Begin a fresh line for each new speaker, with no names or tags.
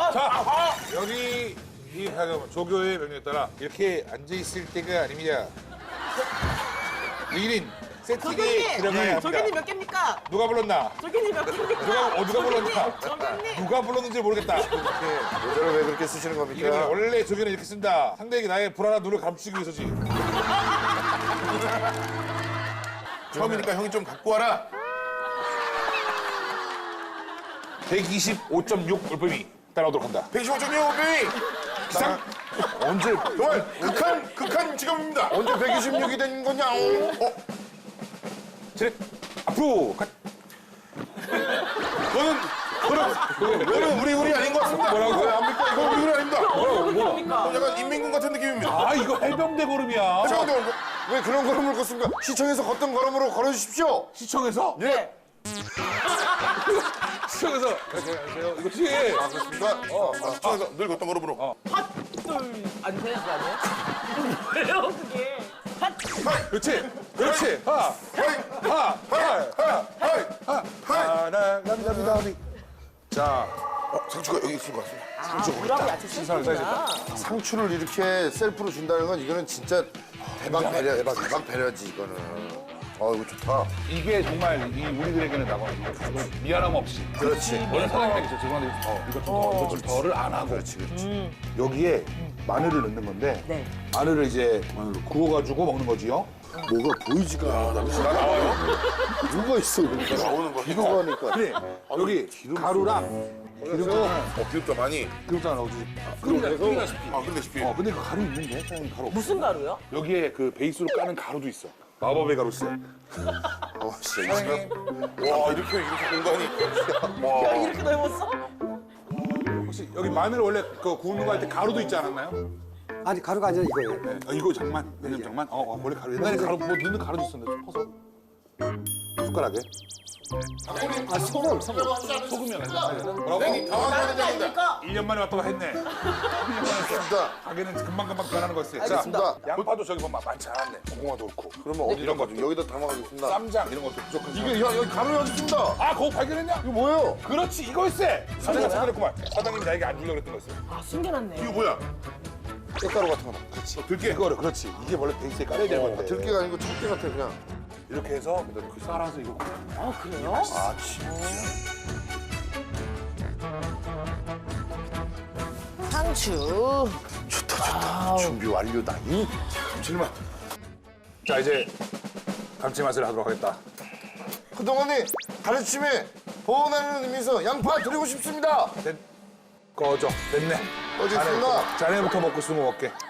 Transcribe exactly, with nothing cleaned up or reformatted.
자, 여기 이 잠깐만, 조교의 명령에 따라 이렇게 앉아 있을 때가 아닙니다. 일 인 세팅에
조교님!
들어가야 합니다.
조교님 몇 개입니까?
누가 불렀나?
조교님 몇 개입니까?
누가 어, 누가 불렀나?
조교님!
누가 불렀는지 모르겠다. 이렇게
모자를 왜 그렇게 쓰시는
이거는
겁니까?
원래 조교는 이렇게 쓴다. 상대에게 나의 불안한 눈을 감추기 위해서지.
처음이니까 형이 좀 갖고 와라.
백이십오 점 육 올빼미 따라오도록 한다.
백십오 점 육 오병이
기상!
언제 정말 극한 극한 직업입니다. 언제 백이십육이 된 거냐? 어?
제 앞으로 가.
너는 너는 너는 우리 우리 아닌 것 같습니다.
뭐라고?
왜 압니까? 이거 우리 우리 아닙니다.
뭐라고? 뭐?
어, 약간 인민군 같은 느낌입니다.
아 이거 해병대 걸음이야.
잠깐만요. 왜 그런 걸음을 걷습니까? 시청에서 걷던 걸음으로 걸어주십시오.
시청에서?
예.
시청에서. 안녕하세요. 이거지.
아 그렇습니까? 어. 아, 시청에서 늘 걷던 걸음으로. 어.
핫둘 안 되는 거 아니에요? 왜요 그게? 핫!
그렇지. 그렇지. 하.
하이
하. 하.
하이
하. 하나 감사합니다. 우리. 자.
어, 상추가 여기 있을 것 같습니다.
아, 물하고 야채
신선하게
쓰는구나.
상추를 이렇게 셀프로 준다는 건 이거는 진짜 대박 배려, 대박, 대박 배려지 이거는. 어 이거 좋다.
이게 정말 이 우리들에게는 나가 미안함 없이.
그렇지.
원래 사장님이 저 죄송한데 어, 이거 좀 더, 이거 좀 더를 안 하고. 그렇지, 그렇지. 여기에 마늘을 넣는 건데
네.
마늘을 이제 마늘로 구워가지고 먹는 거지요.
뭐가 보이지가 않아. 나와요? 뭐가 있어 여기 나오는 거. 이거 하니까.
그래. 여기 가루랑 기름장,
어 기름도 많이.
기름장 넣어주지. 끓이다, 끓이다시피.
아 근데
어, 근데 그 가루 있는데? 사장님 가루.
무슨 가루요?
여기에 그 베이스로 까는 가루도 있어. 마법의 가루세.
어 진짜 이 집에. 와 이렇게 이렇게 공간이.
야,
와.
이렇게 넓었어?
혹시 여기 마늘 원래 그 구우는 거 할 때 가루도 있지 않았나요?
아니 가루가 아니라 이거예요.
네. 아, 이거 장만. 왜냐면 장만. 어, 어, 원래 가루. 옛날에 가루 뭐 넣는 가루도 있었는데 좀 퍼서. 숟가락에.
아 소금 소금.
소금이야. 뭐라고?
당황하는 장입니다.
아닙니까?
일 년 만에 왔다고 했네. 일 년 만에 왔어.
진짜.
가게는 금방금방 변하는 거였어. 자,
알겠습니다.
양파도 저기 보면 많지 않았네. 고구마도 그렇고.
그러면 어디
이런
이런
것도.
거 여기다 담아가겠습니다.
쌈장 이런 것도 부족한
이게 야, 여기 가루 여기 있습니다.
아, 그거 발견했냐?
이거 뭐예요?
그렇지, 이거였어. 사장님 생각했구만. 사장님 나에게 안 주려고 그랬던 거였어.
아, 숨겨놨네.
이거 뭐야?
꽃가루 같은 거. 그렇지. 들깨. 이거를, 그렇지. 이게 원래 베이스에 깔아야 되는 건데.
들깨가 아니고 참깨 같아 그냥.
이렇게 해서 그 썰어서 이거.
아, 그래요?
아 진짜.
상추.
좋다 좋다. 준비 완료다. 이
감칠맛. 자, 이제 감칠맛을 하도록 하겠다.
그동안의 가르침에 보완하는 의미에서 양파 드리고 싶습니다.
됐, 꺼져. 됐네.
꺼졌습니다.
자네부터, 자네부터 먹고 쓰고 먹게.